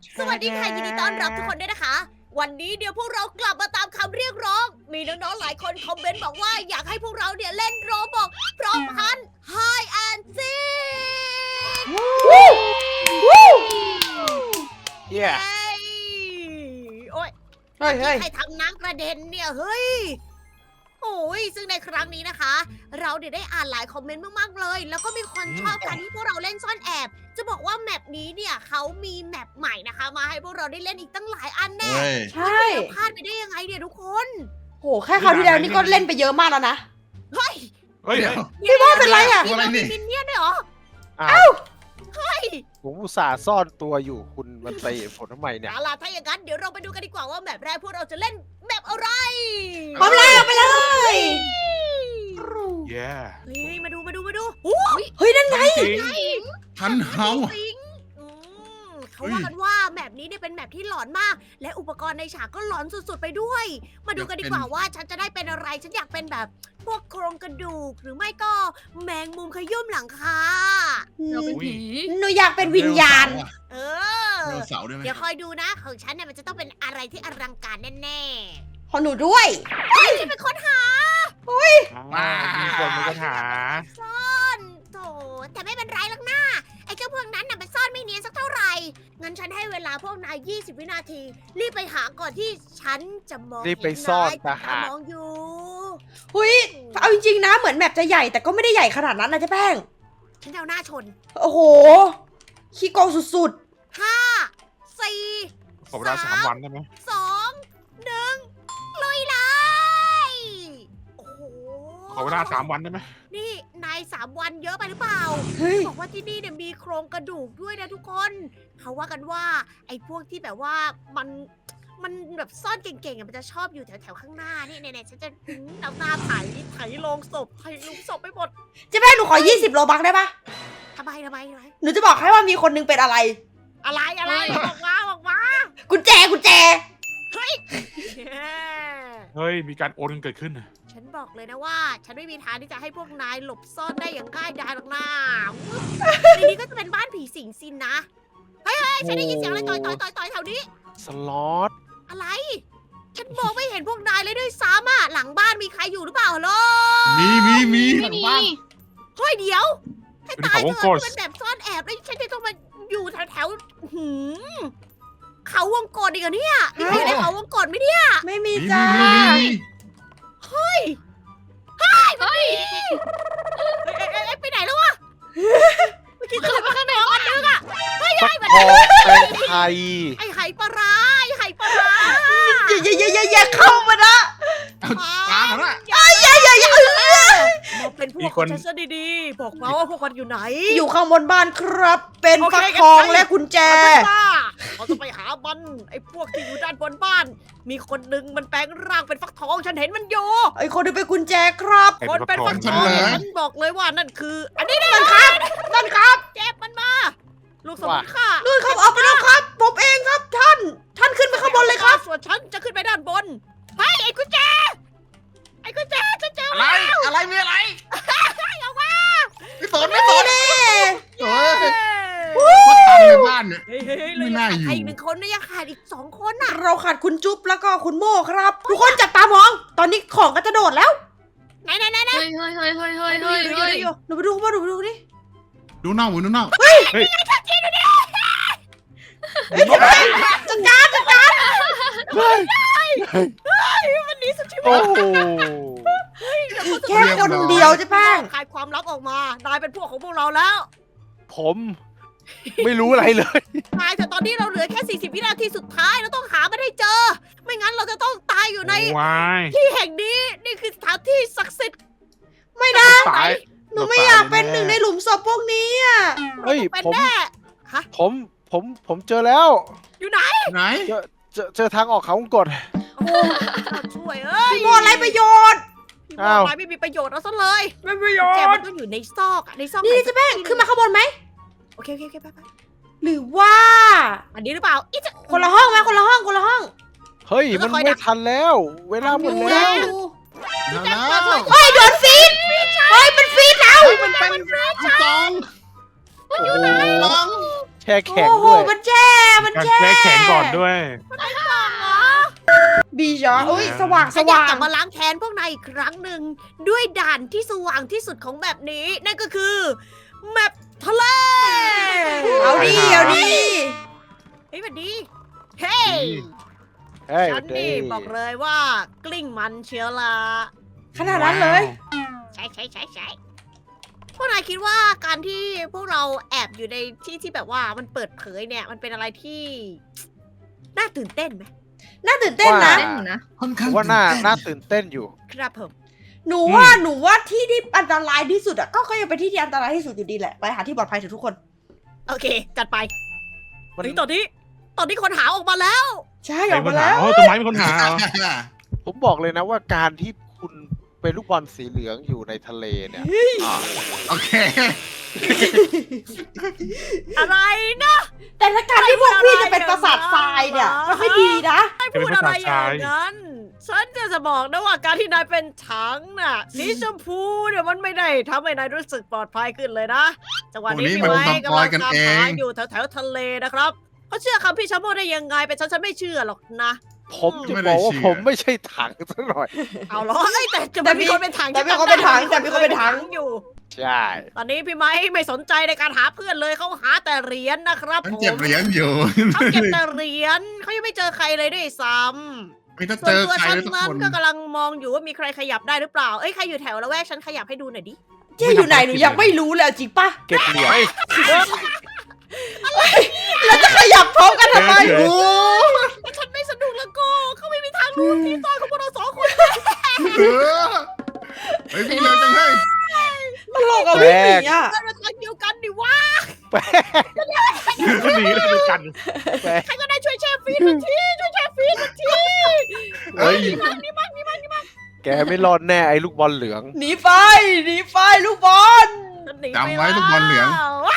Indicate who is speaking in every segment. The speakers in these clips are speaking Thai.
Speaker 1: สวัสดีค่ะยินดีต้อนรับทุกคนด้วยนะคะ วันนี้เดี๋ยวพวกเรากลับมาตามคำเรียกร้อง มีน้องๆหลายคนคอมเมนต์บอกว่าอยากให้พวกเราเนี่ยเล่นโรบอกพร้อมพันไฮแอนซี
Speaker 2: เย้
Speaker 1: โอ้ย
Speaker 3: เฮ้ย
Speaker 1: ใครทำน้ำกระเด็นเนี่ยเฮ้ยโอ้ยซึ่งในครั้งนี้นะคะ เราเนี่ยได้อ่านหลายคอมเมนต์มากๆเลย แล้วก็มีคนชอบการที่พวกเราเล่นซ่อนแอบ จะบอกว่าแมปนี้เนี่ยเขามีแมปใหม่นะคะ มาให้พวกเราได้เล่นอีกตั้งหลายอันแน่
Speaker 4: เฮ้ย
Speaker 3: ใช่
Speaker 1: เราพลาดไปได้ยังไงเนี่ยทุกคน
Speaker 3: โหแค่คราวที่แล้วนี่ก็เล่นไปเยอะมากแล้วนะ
Speaker 1: เฮ้ย
Speaker 2: เฮ้ย
Speaker 4: เดี๋ยว
Speaker 3: พี่โม่เป็นไรอ่ะ
Speaker 4: ตัวอะไรนี่
Speaker 1: มีมินเนี่ยนด้วยเหรอ
Speaker 2: อ้าว
Speaker 1: เฮ้ย
Speaker 2: ผมอุตส่าห์ซ่อนตัวอยู่คุณมันเตะผมทำไมเนี่ย
Speaker 1: เอาล่ะถ้าอย่างนั้นเดี๋ยวเราไปดูกันดีกว่าว่าแมปแรกพวกเราจะเล่นแมปอะไร
Speaker 3: พร้อมเลยเอาไปเลย
Speaker 2: เย้
Speaker 1: เฮ้ยมาดูโอ้ย
Speaker 3: เฮ้ยนั่นไง
Speaker 2: จริง
Speaker 4: ทันเฮา
Speaker 1: สิงเขาว่ากันว่าแมปนี้เนี่ยเป็นแมปที่หลอนมาก และอุปกรณ์ในฉากก็หลอนสุดๆไปด้วย มาดูกันดีกว่าว่าฉันจะได้เป็นอะไร ฉันอยากเป็นแบบพวกโครงกระดูก หรือไม่ก็แมงมุมขยุ่มหลังคา
Speaker 5: เราเป็นผี
Speaker 3: หนูอยากเป็นวิญญาณ
Speaker 1: เอ
Speaker 4: เด
Speaker 1: อ
Speaker 4: วเสาร์ได้ไหม
Speaker 1: เดี๋ยวคอยดูนะของฉันเนี่ยมันจะต้องเป็นอะไรที่อลังการแน่
Speaker 3: ของหนูด้วย
Speaker 1: ๆเฮ้ยฉันเป็นคนหา
Speaker 2: มีคนมีปัญหา
Speaker 1: ซ่อนโถแต่ไม่เป็นไรหรอกนะไอ้เจ้าพวกนั้นน่ะมันซ่อนไม่เนียนสักเท่าไหร่ งั้นฉันให้เวลาพวกนาย 20 วินาที รีบไปหาก่อนที่ฉันจะมอง
Speaker 2: รีบไปซ่อน
Speaker 1: เห็น
Speaker 2: ตา
Speaker 1: นา
Speaker 2: หาย
Speaker 1: มองอยู่
Speaker 3: เฮ้ยเอาจริงๆนะเหมือนแมปจะใหญ่แต่ก็ไม่ได้ใหญ่ขนาดนั้นนะเจ๊แป้ง
Speaker 1: ฉันจะเอาหน้าชน
Speaker 3: โอ้โหขี้โกงสุด
Speaker 1: 5 4
Speaker 2: ขอเวลา3 วันได้ไหม
Speaker 1: 2 1ลุยเลยโอ้โห
Speaker 2: ขอเวลา3 วันได้ไหม
Speaker 1: นี่นาย3 วันเยอะไปหรือเปล่า
Speaker 3: ๆ เฮ้ย
Speaker 1: บอกว่าที่นี่เนี่ยมีโครงกระดูกด้วยนะทุกคน เขาว่ากันว่า ไอ้พวกที่แบบว่ามันแบบซ่อนเก่งๆอะมันจะชอบอยู่แถวๆข้างหน้านี่เนี่ยๆฉันจะเอาหน้าไถโลงศพไถลุงศพไปหมด
Speaker 3: เจ๊แป้งหนูขอ 20 โลบักได้ปะ
Speaker 1: ทำไม
Speaker 3: หนูจะบอกให้ว่ามีคนนึงเป็นอะไร
Speaker 1: อะไรบอกมา
Speaker 3: กุญแจ
Speaker 1: เฮ้ย
Speaker 2: เฮ้ยมีการโอนกันเกิดขึ้น
Speaker 1: ฉันบอกเลยนะว่า ฉันไม่มีทางที่จะให้พวกนายหลบซ่อนได้อย่างง่ายดายหรอกนะในนี้ก็จะเป็นบ้านผีสิงสินนะเฮ้ยฉันได้ยินเสียงอะไรต่อยแถวนี้
Speaker 2: สล็อต
Speaker 1: อะไร ฉันมองไม่เห็นพวกนายเลยด้วยซ้ำอ่ะ หลังบ้านมีใครอยู่หรือเปล่าฮัลโหล
Speaker 4: มี
Speaker 5: ไม่มี
Speaker 1: เฮ้ยเดี๋ยว ให้
Speaker 2: เป็น
Speaker 1: ตาย
Speaker 2: เขาวง
Speaker 1: เถ
Speaker 2: ก
Speaker 1: อะ
Speaker 2: ต
Speaker 1: เป็นแบบซ่อนแอบแล้วฉันจะต้องมาอยู่แถวหืมเขาวงกตอีกเหรอเนี่ยมีใครอยู่ในเขาวงกตไหมเนี่ย
Speaker 3: ไม่มี
Speaker 4: มี
Speaker 3: จ้า
Speaker 4: มี
Speaker 1: เอ้ยไปไหนแล้ววะเมื่อกี้ฉันเห็นว่าข้างในอันนึงอ่ะเฮ้ย
Speaker 2: ฟักทองเป็นไทย
Speaker 1: ไอ้ไหปลาร้า
Speaker 3: อย่าเข้ามานะ
Speaker 4: เอาปลาเหรอ
Speaker 1: มาเป็นพวกของฉันซะดีๆบอกมาว่าพวกมันอยู่ไหน
Speaker 3: อยู่ข้างบนบ้านครับ เป็น
Speaker 1: โอเค
Speaker 3: ฟักทองและกุญแจ
Speaker 1: เราจะไปหามันไอ้พวกที่อยู่ด้านบนบ้าน มีคนหนึ่งมันแปลงร่างเป็นฟักทองฉันเห็นมันอยู่
Speaker 3: ไอ้คนที่เป็นกุญแจครับ
Speaker 1: คนเป็นฟักทองฉันบอกเลยว่านั่นคือ อันนี้นั่นครับเจ็บมันมาลูกสมุนค่ะ
Speaker 3: นู่นครับเอาไปแล้วครับ ผมเองครับท่าน ท่านขึ้นไปข้างบนเลยครับ
Speaker 1: ส่วนฉันจะขึ้นไปด้านบนเฮ้ยไอ้กุญแจฉันเจอ
Speaker 4: อะไร อะไรมีอะไร
Speaker 1: เอามา
Speaker 4: ไม่สนไม่สน
Speaker 3: นี่
Speaker 4: เฮ้ยว่าตันในบ้านเนี่ย
Speaker 1: เฮ้ย
Speaker 4: ไม่
Speaker 1: เรา
Speaker 4: น่า
Speaker 1: ยัง
Speaker 4: อยู่
Speaker 1: ขาดอีก1 คนนะยังขาดอีก2 คนน่ะ
Speaker 3: เราขาดคุณจุ๊บแล้วก็คุณโม่ครับ ทุกคนจับตามอง ตอนนี้ของก็จะโดดแล้ว
Speaker 1: ไหน
Speaker 5: เฮ้ย
Speaker 1: อยู่
Speaker 3: หนูไปดูข้างบนหนูไปดูนี่
Speaker 4: ดูเน่าดูเน่า
Speaker 3: จัดการ
Speaker 1: วันนี้สุดชีวิ
Speaker 2: โอ้
Speaker 1: ต
Speaker 2: โห
Speaker 3: แค่คนเดียวใช่แป้ง
Speaker 1: คลายความลับออกมานายเป็นพวกของพวกเราแล้ว
Speaker 2: ผมไม่รู้อะไรเลย
Speaker 1: นายแต่ตอนนี้เราเหลือแค่40 วินาทีสุดท้ายเราต้องหามันให้เจอ ไม่งั้นเราจะต้องตายอยู่ใน
Speaker 2: วาย
Speaker 1: ที่แห่งนี้นี่คือสถานที่ศักดิ์สิทธิ์
Speaker 3: ไม่นะ
Speaker 2: ตาย
Speaker 3: หนูไม่อยากเป็นหนึ่งในหลุมศพพวกนี้อ่ะ
Speaker 2: เฮ้ย
Speaker 1: เป็น
Speaker 2: ผม
Speaker 1: แน่
Speaker 2: ผมเจอแล้ว
Speaker 1: อยู่ไหน
Speaker 4: ไหน
Speaker 2: เจอทางออกเขาวงกต
Speaker 1: โอ้ช่วยเอ้ย
Speaker 3: พี่โมอะไรประโยชน์
Speaker 1: พี่
Speaker 2: อ้าว
Speaker 1: นายไม่มีประโยชน์เอาซะเลย
Speaker 3: ไม่ประโย
Speaker 1: แก
Speaker 3: ช
Speaker 1: มัน
Speaker 3: น์
Speaker 1: ต้องอยู่ในซอกอะในซอก
Speaker 3: นี่
Speaker 1: ไห
Speaker 3: เจ๊แป้งขึ้นมาข้างบนไหม
Speaker 1: โอเคไป
Speaker 3: หรือว่า
Speaker 1: อันนี้หรือเปล่าอีจะ
Speaker 3: คนละห้องไหมคนละห้อง
Speaker 2: เฮ้ยมันไม่ทันแล้ว เวลาหมด
Speaker 3: ดู
Speaker 2: แล้ว
Speaker 3: ดู
Speaker 4: แล้ว
Speaker 3: เฮ้ยโดนฟีดเฮ้ยมันฟีดแล้ว
Speaker 4: มันเป็นกอง
Speaker 2: โอ้โห
Speaker 4: กอง
Speaker 1: ฉั
Speaker 2: ช่แข็ง
Speaker 3: โอ้โห
Speaker 2: ด้วย
Speaker 3: มันแช่มัน
Speaker 5: การ
Speaker 3: แช่
Speaker 5: แช่แข็งก่อนด้วย
Speaker 3: บีจออุ้ยสว่างส
Speaker 1: ฉันอยาก
Speaker 3: ว่าก
Speaker 1: ลั
Speaker 3: ง
Speaker 1: บมาล้างแค้นพวกนายอีกครั้งหนึ่งด้วยด่านที่สว่างที่สุดของแบบนี้ นั่นก็คือแมปทะเล
Speaker 3: เอาดิเอาดิ
Speaker 1: เฮ้ยสวัสดี เฮ้ย
Speaker 2: เฮ้ย
Speaker 1: ฉันนี่บอกเลยว่ากลิ้งมันเชียวละ
Speaker 3: ขนาดนั้นเลย
Speaker 1: ใช่พวกนายคิดว่าการที่พวกเราแอบอยู่ในที่ที่แบบว่ามันเปิดเผยเนี่ย มันเป็นอะไรที่น่าตื่นเต้นไหม
Speaker 3: น่าตื่นเต้นนะ
Speaker 6: เล่นอยู่นะ
Speaker 4: ค่อน
Speaker 2: ผ
Speaker 4: ข้าง
Speaker 2: มว่าน่าตื่นเต้นอยู่
Speaker 1: ครับผม
Speaker 3: หนูว่าที่ที่อันตรายที่สุดอะก็ยังเป็นที่ที่อันตรายที่สุดอยู่ดีแหละ ไปหาที่ปลอดภัยเถอะทุกคน
Speaker 1: โอเค จัดไป
Speaker 2: มัน
Speaker 1: เฮ้ยตอนนี้คนหาออกมาแล้ว
Speaker 3: ใช่
Speaker 5: ใค
Speaker 3: อ
Speaker 5: ร
Speaker 3: อก
Speaker 5: ปั
Speaker 3: มา
Speaker 5: ญหา
Speaker 3: แล้ว
Speaker 5: อ๋อต้นไม้เป็นคนหาเหรอ
Speaker 2: ผมบอกเลยนะว่าการที่คุณเป็นลูกบอลสีเหลืองอยู่ในทะเลเนี่ย
Speaker 4: โอเค
Speaker 1: อะไรนะ
Speaker 3: แต่ถ้าการที่พวกพี่จะเป็นประสาททรายเนี่ยมันไม่ดีนะ
Speaker 5: จะเป็นภาษาชาย
Speaker 1: นั้น ฉันจะบอกนะว่าการที่นายเป็นถังน่ะ สีชมพูเนี่ยมันไม่ได้ทำให้นายรู้สึกปลอดภัยขึ้นเลยนะ จังหวะนี้
Speaker 4: โอ้นี่
Speaker 1: พี่
Speaker 4: มัน
Speaker 1: ไม้
Speaker 4: สป
Speaker 1: กำ
Speaker 4: อ
Speaker 1: ลั
Speaker 4: ย
Speaker 1: ง
Speaker 4: กัน
Speaker 1: ตาม
Speaker 4: เอ
Speaker 1: หาง อยู่แถวทะเลนะครับเขาเชื่อคำพี่ชาโมได้ยังไงเป็นฉันไม่เชื่อหรอกนะ
Speaker 2: ผมจะบอกว่าผมไม่ใช่ถังซะหน่อย
Speaker 1: เอาเหรอเอ้ยแต่จะ
Speaker 3: แต่
Speaker 1: มีคนเป็นถัง
Speaker 3: แต่มีคนเป็นถังแต่มีคนเป็นถัง
Speaker 1: อยู่
Speaker 2: ใช่
Speaker 1: ตอนนี้พี่ไม้ไม่สนใจในการหาเพื่อนเลยเขาหาแต่เหรียญนะครับ
Speaker 4: มัน
Speaker 1: ผม
Speaker 4: เก็บเหรียญอยู่
Speaker 1: เขาเก็บแต่เหรียญเขายังไม่เจอใครเลยด้วยซ้ำ
Speaker 4: ไม่ถ้า
Speaker 1: ส่
Speaker 4: เจ
Speaker 1: วน
Speaker 4: อ
Speaker 1: ตัว
Speaker 4: ใคร
Speaker 1: ฉัน
Speaker 4: ทุก
Speaker 1: นั้น
Speaker 4: คน
Speaker 1: ก็กำลังมองอยู่ว่ามีใครขยับได้หรือเปล่า เอ้ยใครอยู่แถวละแวกฉันขยับให้ดูหน่อยดิ
Speaker 3: เจ๊อยู่ไหนหนูยังไม่รู้เลยเอาจริงปะ
Speaker 2: เก็บเหรียญ
Speaker 3: แล้วจะขยับพร้อมกันทำไม
Speaker 5: เฉยๆ
Speaker 3: โอ้
Speaker 1: ถ้าฉันไม่สนุกแล้วก็เขาไม่มีทางรู้ที่ซ่อนของพวกเราสองคน
Speaker 4: เออเฮ้ยพี่เร็วจังเลย
Speaker 3: ตลกอะวิ่งหนีอะ
Speaker 1: เราทางเดียวกันดิวะ
Speaker 2: แป๊ก
Speaker 5: ก็หนีแล้วดูกัน
Speaker 2: แป๊ก
Speaker 1: ใครก็ได้ช่วยแช่ฟีดมันทีช่วยแช่ฟีดมันที
Speaker 2: เฮ้ย
Speaker 1: นี่มัน
Speaker 2: แกไม่รอดแน่ไอ้ลูกบอลเหลือง
Speaker 3: หนีไปหนีไปลูกบอล
Speaker 1: ฉันหนี
Speaker 4: จำไว้ลูกบอลเหลือง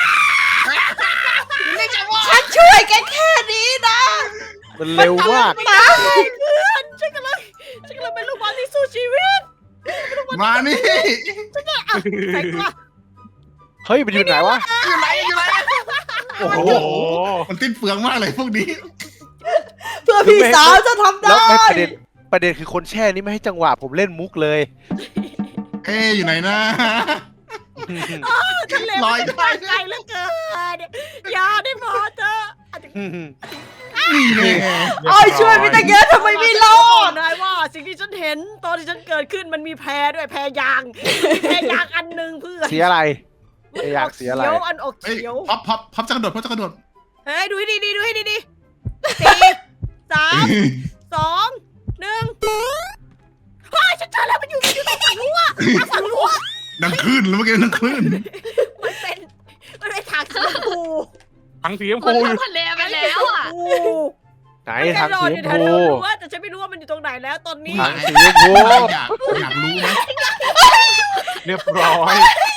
Speaker 3: ฉันช่วยแกแค่นี้นะ
Speaker 2: มันเร็วมาก
Speaker 3: ตาย
Speaker 1: เพื่อนฉันกำลังเป็นลูกบอลที่สู้ชีวิต
Speaker 4: มานี่
Speaker 1: อ่ะใส่ตัว
Speaker 2: เฮ้ยมันอยู่ไหนวะ
Speaker 4: อยู่ไหนอยู่ไหน
Speaker 2: โอ้โห
Speaker 5: โอ้โห
Speaker 4: มันติ้นเปลืองมากเลยพวกนี้
Speaker 3: เพื่อพี่สาวจะทำ
Speaker 2: แล้ว
Speaker 3: ได้
Speaker 2: ไม่ประเด็นคือคนแช่นี่ไม่ให้จังหวะผมเล่นมุกเลย
Speaker 4: เอ๊ะอยู่ไหนนะ
Speaker 1: ทะเล
Speaker 4: ลอย
Speaker 1: มัน
Speaker 4: ได้
Speaker 1: ไปไกลเหลือเกินอย่าได้พอเถอะ
Speaker 4: นี่เลย
Speaker 3: โอ้ยช่วยไม่ตั้งเยอะทำไมไม่รอด
Speaker 1: ได้ว่าสิ่งที่ฉันเห็นตอนที่ฉันเกิดขึ้นมันมีแพรด้วยแพรยางอันหนึ่งเพื่อน
Speaker 2: เสียอะไร แพรยางเสียอะไร
Speaker 1: เขียวอันออก
Speaker 4: เฮ้ย
Speaker 1: เขียว
Speaker 4: พับจะกระโดดพับจะกระโดด
Speaker 1: เฮ้ยดูให้ดีดูให้ดีสี่สามสองหนึ่งเฮ้ยฉันเจอแล้วมันอยู่ตรงฝั่งรั้วฝั่งรั้ว
Speaker 4: ดังคลื่นแล้วเมื่อกี้ดังคลื่น
Speaker 1: มันเป็นทางสีชมพู
Speaker 5: ทั้งสีชม
Speaker 6: คน
Speaker 5: พู
Speaker 6: ลงทะเลไปแล้วอ่ะ
Speaker 2: ไหนทางสีชม
Speaker 1: แน่นอนอยู่แถ
Speaker 2: พู
Speaker 1: วรั้วแต่ฉันไม่รู้ว่ามันอยู่ตรงไหนแล้วตอนนี้
Speaker 2: ทางสีชมพู
Speaker 4: อยากรู้ไหม
Speaker 5: เรียบร้อย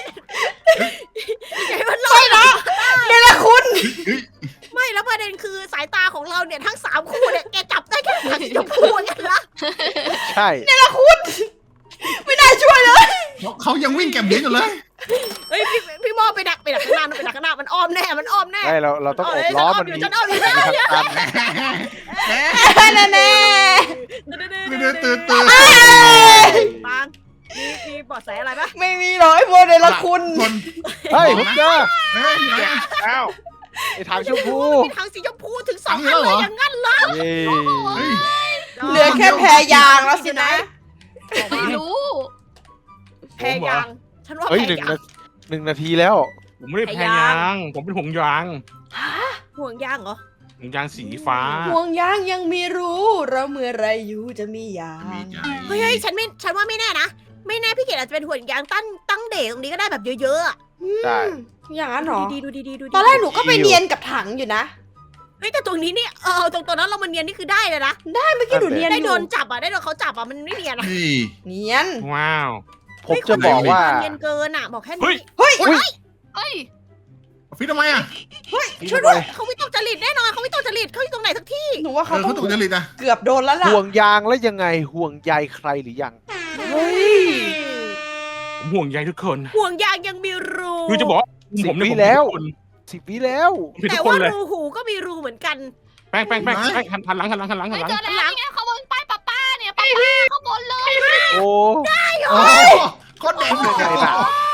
Speaker 1: ไงมันลอยนะ
Speaker 3: เนรคุณ
Speaker 1: ไม่แล้วประเด็นคือสายตาของเราเนี่ยทั้ง3คู่เนี่ยแกจับได้แค่ทางสีชมพูกันละ
Speaker 2: ใช่
Speaker 3: ไม่น่าช่วยเลย
Speaker 4: เขายังวิ่งแก็บเหรียญอยู่เลย
Speaker 1: เฮ้ยพี่มอไปดักข้างหน้าไปดักข้างหน้ามันอ้อมแน่มันอ้อมแน่
Speaker 2: ใช่เราต้องอบล้อมันมี
Speaker 1: ฉันอ้อมอยู่
Speaker 2: ทางตัน
Speaker 3: แน่แน่
Speaker 4: ตื่น
Speaker 1: ปังมีเบาะแสอะไรปะ
Speaker 3: ไม่มีหรอกไอ้พวกเนรคุณ
Speaker 4: คน
Speaker 2: เฮ้ยผมเจอ
Speaker 4: เฮ้ยอยู่ไหน
Speaker 5: แล้ว
Speaker 2: ไอ้ทางชมพู
Speaker 1: มีทางสีชมพูถึง2
Speaker 4: ทา
Speaker 1: อั
Speaker 4: ง
Speaker 1: น
Speaker 4: นี้แล้ว
Speaker 1: เล
Speaker 4: เหร
Speaker 1: ย
Speaker 4: อ
Speaker 1: อย่างนั้นเหรอ
Speaker 2: เย้
Speaker 4: เฮ้ย
Speaker 3: เหลือแค่แพรยางแล้วสินะ
Speaker 6: ไม่รู้
Speaker 1: แพรยางฉันว่า
Speaker 2: เฮ้ย
Speaker 1: แพรยาง
Speaker 2: หนึ่งนาทีแล้ว
Speaker 5: ผมไม่ได้แพรยาง ผมเป็นห่วงยาง
Speaker 1: ห่วงยางเหรอ
Speaker 5: ห่วงยางสีฟ้า
Speaker 3: ห่วงยางยังมีรู้เราเมื่อไรอยู่จะมียาง
Speaker 1: เฮ้ยฉันว่าไม่แน่นะไม่แน่พี่เกดอาจจะเป็นห่วงยางตั้งเดทตรงนี้ก็ได้แบบเยอะๆอะ
Speaker 2: ใช่
Speaker 3: อย่างนั้นเหรอ
Speaker 1: ดูดีๆ
Speaker 3: ตอนแรกหนูก็ไปเนียนกับถังอยู่นะ
Speaker 1: เฮ้ยแต่ตรงนี้นี่ตรงนั้นเรามันเนียนนี่คือได้เลยนะ
Speaker 3: เมื่อกี้หนูเนียน
Speaker 1: ได้
Speaker 3: อ
Speaker 1: โด
Speaker 3: ยู่
Speaker 1: นจับอ่ะได้โดนเขาจับอ่ะมันไม่เนียนอ่ะ
Speaker 4: นี่
Speaker 3: เนียน
Speaker 5: ว้าว
Speaker 2: ผมจะบอกว่า
Speaker 1: เนียนเกินอ่ะบอกแค่
Speaker 5: เฮ้
Speaker 1: นี้
Speaker 5: ย
Speaker 3: เฮ้ย
Speaker 6: เฮ้ย
Speaker 4: ฟิตทำไมอ่ะ
Speaker 1: ช่วยด้วยเขาไม่ต้องจริตแน่นอนเขาไม่ต้องจริตเขาอยู่ตรงไหนสักที่
Speaker 3: หนูว่าเขาต้
Speaker 4: เขา
Speaker 3: อง
Speaker 4: ตกจริตอ่ะ
Speaker 3: เกือบโดนแล้วล่ะ
Speaker 2: ห่วงยางแล้วยังไงห่วงใยใครหรือยัง
Speaker 3: เฮ้ย
Speaker 5: ผมห่วงใยทุกคน
Speaker 1: ห่วงยางยังมีรู
Speaker 5: คือจะบอกว่าผม
Speaker 2: 10
Speaker 5: เนี่ย
Speaker 2: ปี
Speaker 5: ผม
Speaker 2: แล้ว
Speaker 5: ทุกคน
Speaker 2: 10 วิแล้ว
Speaker 5: มีทุ
Speaker 1: แต่
Speaker 5: กคน
Speaker 1: ว่า
Speaker 5: เลย
Speaker 1: รูหูก็มีรูเหมือนกัน
Speaker 5: แป้งหันหลัง
Speaker 6: เฮ้ยเจอแล้วนี่ไงเขาบนป้ายป้าเนี่ยป้าเขาบนเลย
Speaker 2: โอ้
Speaker 4: โอ้โคตรเด่นเลย
Speaker 2: ไงล่ะ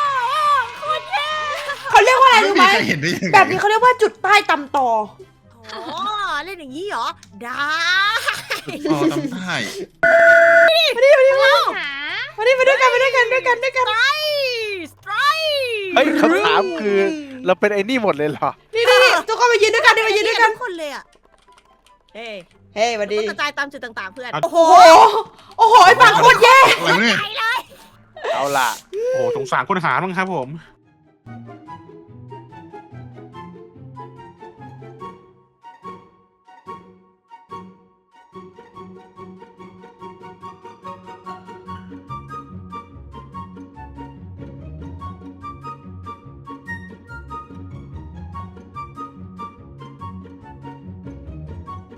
Speaker 3: เขาเรียกว่าอะไร
Speaker 4: ไม่
Speaker 3: รู้
Speaker 4: มี
Speaker 3: ไหม
Speaker 4: ใครเห็นได้ยังไง
Speaker 3: แบบนี้เขาเรียกว่าจุดใต้ตำตอ
Speaker 1: อ๋อ เล่นอย่างนี้เหรอ ได้
Speaker 4: อ๋อทำได้
Speaker 6: หา
Speaker 3: มาดิมาด้วยกันมาด้วยกันด้วยกันด้วยกัน
Speaker 1: สไตร
Speaker 2: เฮ้ยคำถามคือเราเป็นไอ้นี่หมดเลยเหรอ
Speaker 3: นี่ทุกคนมายืนด้วยกันดิมายืนด้วยกัน
Speaker 1: ทุกคนเลยอ่ะ เฮ้ย
Speaker 3: เฮ้ยมาดิ
Speaker 1: ต้องกระจายตามจุดต่างๆเพื่อน
Speaker 3: โอ้โหโอ้โหไอ้ปากโคตรแย่
Speaker 4: อะไรวะเนี่ย
Speaker 1: ไปเลย
Speaker 2: เอาล่ะ
Speaker 5: โอ้โหสงสารคนหาบ้างครับผม